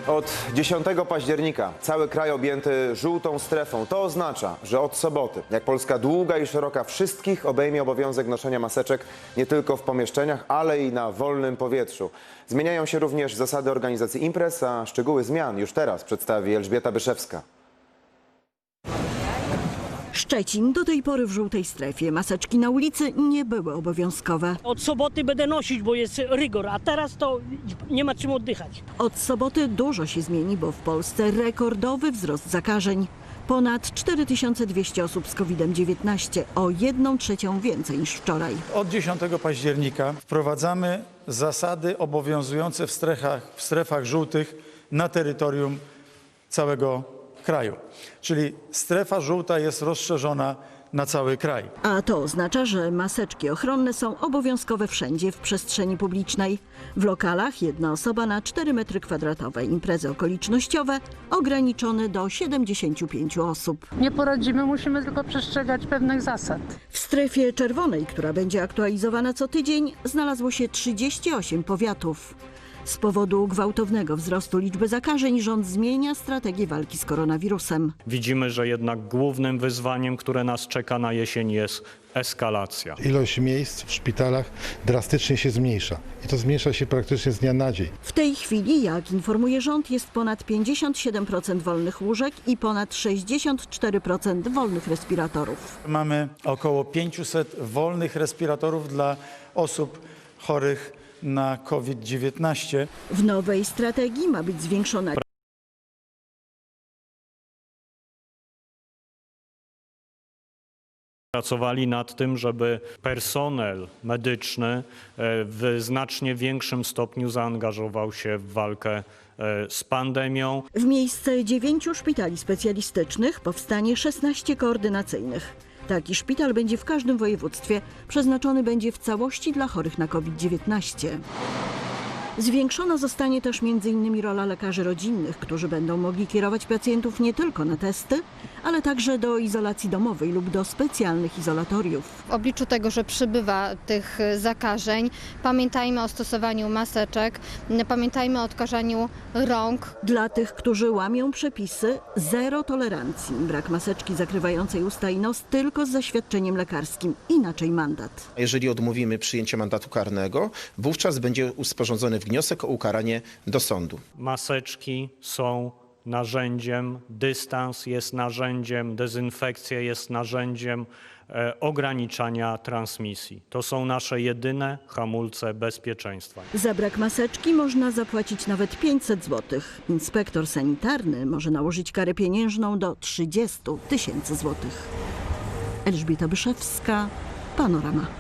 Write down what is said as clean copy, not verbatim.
Od 10 października cały kraj objęty żółtą strefą. To oznacza, że od soboty, jak Polska długa i szeroka, wszystkich obejmie obowiązek noszenia maseczek nie tylko w pomieszczeniach, ale i na wolnym powietrzu. Zmieniają się również zasady organizacji imprez, a szczegóły zmian już teraz przedstawi Elżbieta Byszewska. Szczecin do tej pory w żółtej strefie. Maseczki na ulicy nie były obowiązkowe. Od soboty będę nosić, bo jest rygor, a teraz to nie ma czym oddychać. Od soboty dużo się zmieni, bo w Polsce rekordowy wzrost zakażeń. Ponad 4200 osób z COVID-19, o 1/3 więcej niż wczoraj. Od 10 października wprowadzamy zasady obowiązujące w strefach żółtych na terytorium całego kraju. Czyli strefa żółta jest rozszerzona na cały kraj. A to oznacza, że maseczki ochronne są obowiązkowe wszędzie w przestrzeni publicznej. W lokalach jedna osoba na 4 m². Imprezy okolicznościowe ograniczone do 75 osób. Nie poradzimy, musimy tylko przestrzegać pewnych zasad. W strefie czerwonej, która będzie aktualizowana co tydzień, znalazło się 38 powiatów. Z powodu gwałtownego wzrostu liczby zakażeń rząd zmienia strategię walki z koronawirusem. Widzimy, że jednak głównym wyzwaniem, które nas czeka na jesień, jest eskalacja. Ilość miejsc w szpitalach drastycznie się zmniejsza i to zmniejsza się praktycznie z dnia na dzień. W tej chwili, jak informuje rząd, jest ponad 57% wolnych łóżek i ponad 64% wolnych respiratorów. Mamy około 500 wolnych respiratorów dla osób chorych na COVID-19. W nowej strategii ma być zwiększona Pracowali nad tym, żeby personel medyczny w znacznie większym stopniu zaangażował się w walkę z pandemią. W miejsce 9 szpitali specjalistycznych powstanie 16 koordynacyjnych. Taki szpital będzie w każdym województwie, przeznaczony będzie w całości dla chorych na COVID-19. Zwiększona zostanie też m.in. rola lekarzy rodzinnych, którzy będą mogli kierować pacjentów nie tylko na testy, ale także do izolacji domowej lub do specjalnych izolatoriów. W obliczu tego, że przybywa tych zakażeń, pamiętajmy o stosowaniu maseczek, pamiętajmy o odkażaniu rąk. Dla tych, którzy łamią przepisy, zero tolerancji. Brak maseczki zakrywającej usta i nos tylko z zaświadczeniem lekarskim, inaczej mandat. Jeżeli odmówimy przyjęcia mandatu karnego, wówczas będzie sporządzony wniosek o ukaranie do sądu. Maseczki są narzędziem, dystans jest narzędziem, dezynfekcja jest narzędziem ograniczania transmisji. To są nasze jedyne hamulce bezpieczeństwa. Za brak maseczki można zapłacić nawet 500 zł. Inspektor sanitarny może nałożyć karę pieniężną do 30 000 złotych. Elżbieta Byszewska, Panorama.